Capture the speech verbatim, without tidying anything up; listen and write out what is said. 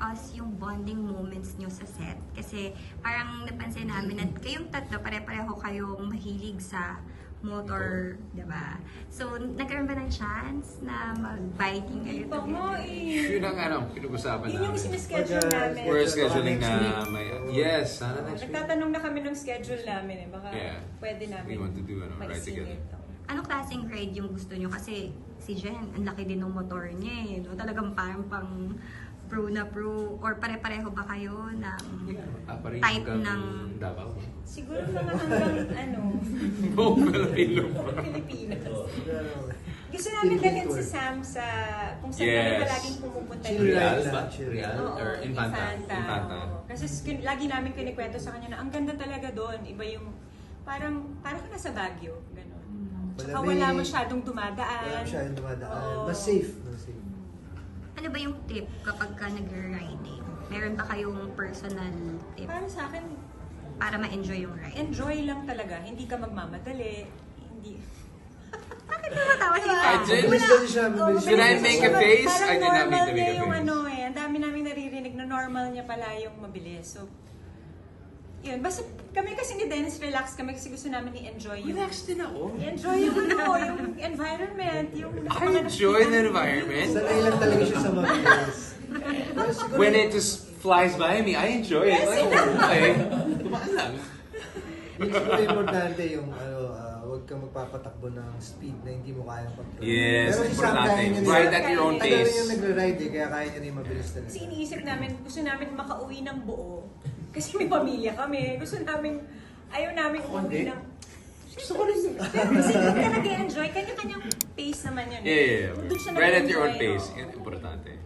us yung bonding moments nyo sa set? Kasi parang napansin namin na kayong tatlo, pare-pareho kayong mahilig sa motor, diba? So, nagkaroon ba ng chance na mag-biking kayo Pa mo together? eh. Yun ang ano, pinag-usapan Yun yung namin. sinischedule namin. We're scheduling na may... Yes, sana next week. Nagtatanong na kami ng schedule namin eh. Baka Yeah. pwede namin We want to do ano, ride maisingit. together. Anong klaseng ride yung gusto nyo? Kasi si Jen, ang laki din ng motor niya eh. No? Talagang parang pang pro na pro. Or pare-pareho ba kayo ng Ah, pareho type hanggang ng... Davao. Siguro mga hanggang ano, Buong Pilipino. Pilipinas. Gusto namin dalhin si Sam sa kung saan kami Yes. palaging pumupunta. Chill dito. Real lang. ba? Chill Real? Oo, Or Infanta? Infanta. oo. Kasi kin- lagi namin kinikwento sa kanya na ang ganda talaga doon. Iba yung parang parang ka nasa Baguio, gano'n. Tsaka Malamig. wala masyadong dumadaan. Wala masyadong dumadaan. Oo. Mas safe. Mas safe. Ano ba yung tip kapag ka nag-riding? Meron ba kayong personal tip Para sa akin, para ma-enjoy yung ride? enjoy lang talaga. Hindi ka magmamadali. Hindi. Bakit natatawa si I Sam? did. Mabilis lang siya. Oo, Mabilis Did I lang make siya. a face? Parang I did not normal make the niya make a yung face. ano eh. Ang dami namin naririnig na normal niya pala yung mabilis. So, yun. Basta kami kasi ni Dennis, relax kami kasi gusto namin i-enjoy yung... Relax din ako. I-enjoy yung ano, yung environment, yung... I enjoy the environment. Sanay lang talaga siya sa mabilis. Pero siguro- When it just flies by me, I enjoy it. Yes, Like, okay, tumaan lang. Yung siguro importante yung ano, ah, huwag kang magpapatakbo ng speed na hindi mo kayang control. Yes, Pero si Sam, importante. kaya niya rin- Ride at your own Tagal rin pace. yung nagra-ride eh, kaya kaya niya rin mabilis talaga. Kasi iniisip namin, gusto namin makauwi ng buo. Kasi may pamilya kami. Gusto namin, ayaw namin umuwi ng... Gusto ko rin. Pero kasi doon ka nag-enjoy, kanya-kanyang pace naman yun. Yeah, yeah, yeah. Doon siya Ride at your own nag-enjoy, pace. no? Yan, importante.